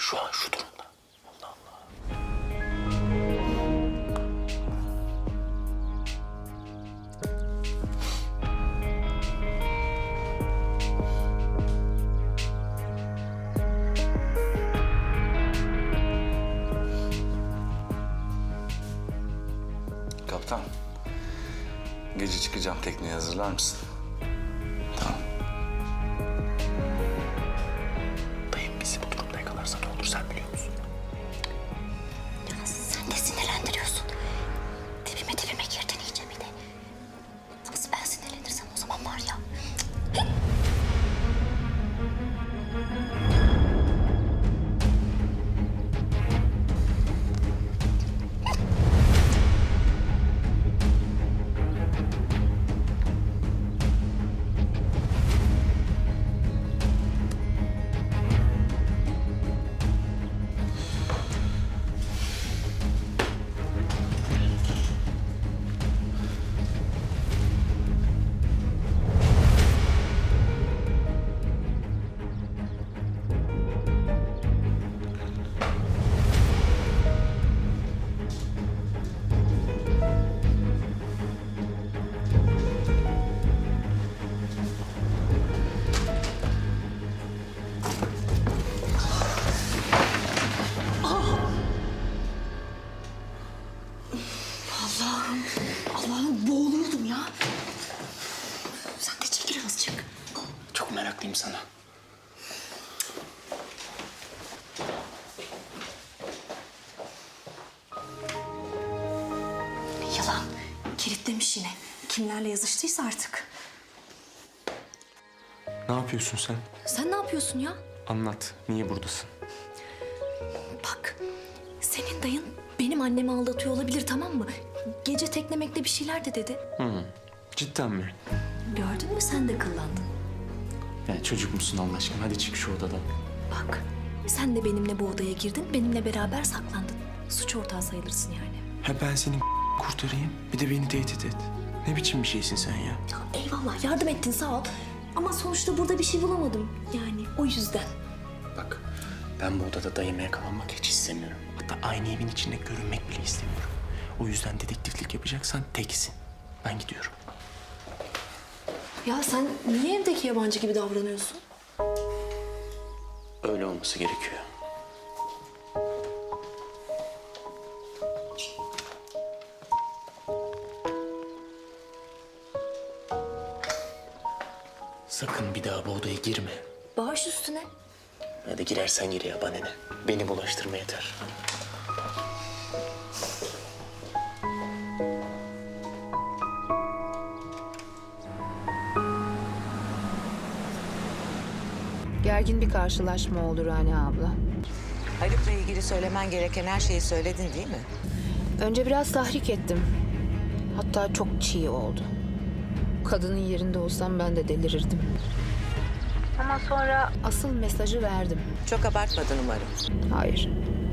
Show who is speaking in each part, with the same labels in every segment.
Speaker 1: Şu an şu durumda. Allah Allah.
Speaker 2: Kaptan, gece çıkacağım, tekneyi hazırlar mısın? Tamam.
Speaker 1: Dayım bizi bu durumda yakalarsa ne olur sen biliyor musun?
Speaker 3: Ya sen de sinirlendiriyorsun. Dibime girdin iyice bir de. Nasıl ben sinirlenirsem o zaman var ya. Allah'ım boğuluyordum ya. Sen de çekil azıcık.
Speaker 1: Çok meraklıyım sana.
Speaker 3: Yılan kilitlemiş yine. Kimlerle yazıştıysa artık.
Speaker 4: Ne yapıyorsun sen?
Speaker 3: Sen ne yapıyorsun ya?
Speaker 4: Anlat. Niye buradasın?
Speaker 3: Bak, senin dayın benim annemi aldatıyor olabilir, tamam mı? Gece teklemekte bir şeyler de dedi.
Speaker 4: Cidden mi?
Speaker 3: Gördün mü, sen de kıllandın.
Speaker 4: Ya çocuk musun Allah aşkına? Hadi çık şu odadan.
Speaker 3: Bak, sen de benimle bu odaya girdin, benimle beraber saklandın. Suç ortağı sayılırsın yani.
Speaker 4: Ha ben seni kurtarayım. Bir de beni tehdit et. Ne biçim bir şeysin sen ya?
Speaker 3: Ya eyvallah, yardım ettin, sağ ol. Ama sonuçta burada bir şey bulamadım. Yani o yüzden.
Speaker 1: Bak ben bu odada dayıma yakalanmak hiç istemiyorum.
Speaker 4: Hatta aynı evin içinde görünmek bile istemiyorum. O yüzden dedektiflik yapacaksan teksin. Ben gidiyorum.
Speaker 3: Ya sen niye evdeki yabancı gibi davranıyorsun?
Speaker 1: Öyle olması gerekiyor. Sakın bir daha bu odaya girme.
Speaker 3: Bağış üstüne.
Speaker 1: Hadi girersen gir ya, bana ne? Beni bulaştırma yeter.
Speaker 5: Gergin bir karşılaşma oldu Rani abla.
Speaker 6: Haluk'la ilgili söylemen gereken her şeyi söyledin değil mi?
Speaker 5: Önce biraz tahrik ettim. Hatta çok çiğ oldu. Kadının yerinde olsam ben de delirirdim. Ama sonra asıl mesajı verdim.
Speaker 6: Çok abartmadın umarım.
Speaker 5: Hayır.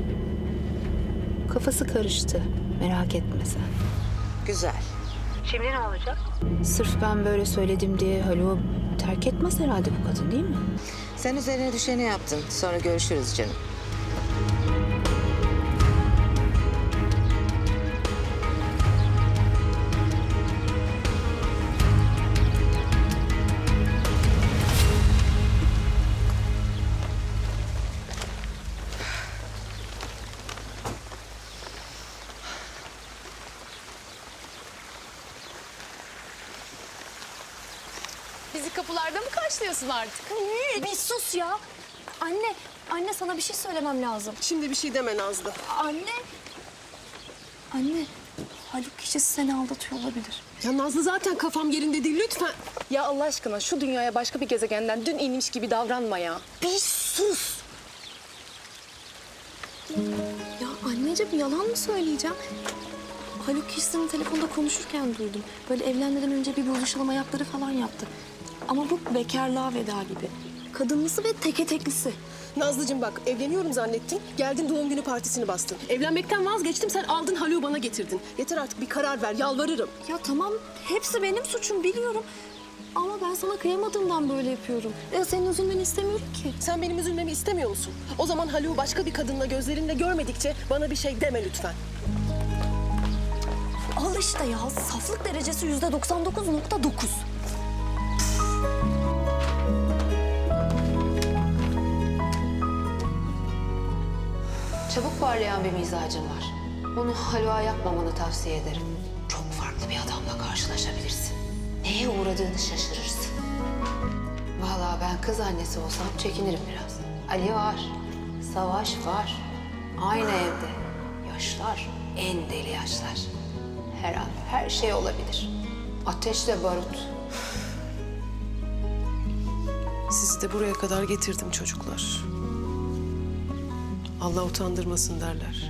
Speaker 5: Kafası karıştı. Merak etme sen.
Speaker 6: Güzel.
Speaker 5: Sırf ben böyle söyledim diye Haluk'u terk etmez herhalde bu kadın, değil mi?
Speaker 6: Sen üzerine düşeni yaptın. Sonra görüşürüz canım.
Speaker 7: Bizi kapılarda mı karşılıyorsun artık?
Speaker 3: Bir sus ya. Anne sana bir şey söylemem lazım.
Speaker 8: Şimdi bir şey deme Nazlı.
Speaker 3: Anne, Haluk kişisi seni aldatıyor olabilir.
Speaker 8: Ya Nazlı zaten kafam yerinde değil lütfen. Ya Allah aşkına şu dünyaya başka bir gezegenden dün inmiş gibi davranma ya.
Speaker 3: Bir sus. Ya anneciğim, yalan mı söyleyeceğim? Haluk kişisini telefonda konuşurken duydum. Böyle evlenmeden önce bir buluşalım ayakları falan yaptı. Ama bu bekarlığa veda gibi. Kadınlısı ve teke teklisi.
Speaker 8: Nazlıcığım bak, evleniyorum zannettin. Geldin doğum günü partisini bastın. Evlenmekten vazgeçtim, sen aldın Haluk'u bana getirdin. Yeter artık, bir karar ver, yalvarırım.
Speaker 3: Ya tamam, hepsi benim suçum, biliyorum. Ama ben sana kıyamadığımdan böyle yapıyorum. Senin üzülmeni istemiyorum ki.
Speaker 8: Sen benim üzülmemi istemiyor musun? O zaman Haluk'u başka bir kadınla gözlerinle görmedikçe bana bir şey deme lütfen.
Speaker 3: Al işte ya, saflık derecesi %99.9.
Speaker 5: Çabuk parlayan bir mizacın var. Onu Haluk'a yapmamanı tavsiye ederim. Çok farklı bir adamla karşılaşabilirsin. Neye uğradığını şaşırırsın. Vallahi ben kız annesi olsam çekinirim biraz. Ali var, Savaş var. Aynı evde. Yaşlar, en deli yaşlar. Her an her şey olabilir. Ateşle barut.
Speaker 8: Sizi de buraya kadar getirdim çocuklar. Allah utandırmasın derler.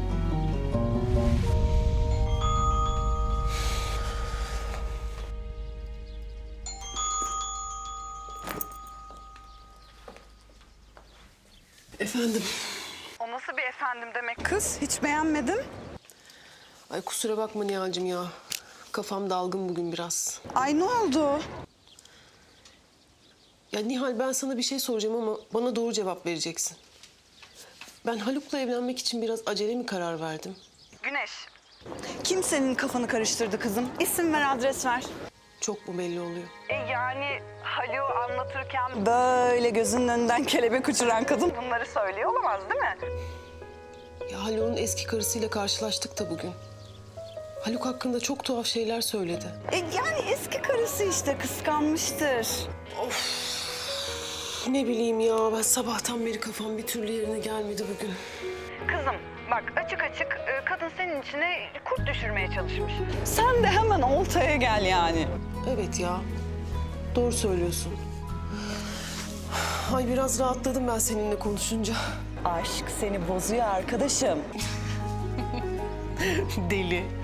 Speaker 8: Efendim,
Speaker 9: O nasıl bir efendim demek kız? Hiç beğenmedim.
Speaker 8: ay kusura bakma Nihal'cığım ya. Kafam dalgın bugün biraz.
Speaker 9: Ay ne oldu?
Speaker 8: Ya Nihal, ben sana bir şey soracağım ama bana doğru cevap vereceksin. Ben Haluk'la evlenmek için biraz acele mi karar verdim?
Speaker 9: Güneş. Kim senin kafanı karıştırdı kızım? İsim ver, adres ver.
Speaker 8: Çok mu belli oluyor?
Speaker 9: Yani Haluk'u anlatırken böyle gözünün önünden kelebek uçuran kadın bunları söylüyor olamaz değil mi?
Speaker 8: Ya Haluk'un eski karısıyla karşılaştık da bugün. Haluk hakkında çok tuhaf şeyler söyledi.
Speaker 9: Yani eski karısı işte, kıskanmıştır.
Speaker 8: Ne bileyim ya, ben sabahtan beri kafam bir türlü yerine gelmedi bugün.
Speaker 9: Kızım bak, açık açık kadın senin içine kurt düşürmeye çalışmış. Sen de hemen oltaya gel yani.
Speaker 8: Evet ya, doğru söylüyorsun. Ay biraz rahatladım ben seninle konuşunca.
Speaker 9: Aşk seni bozuyor arkadaşım.
Speaker 8: Deli.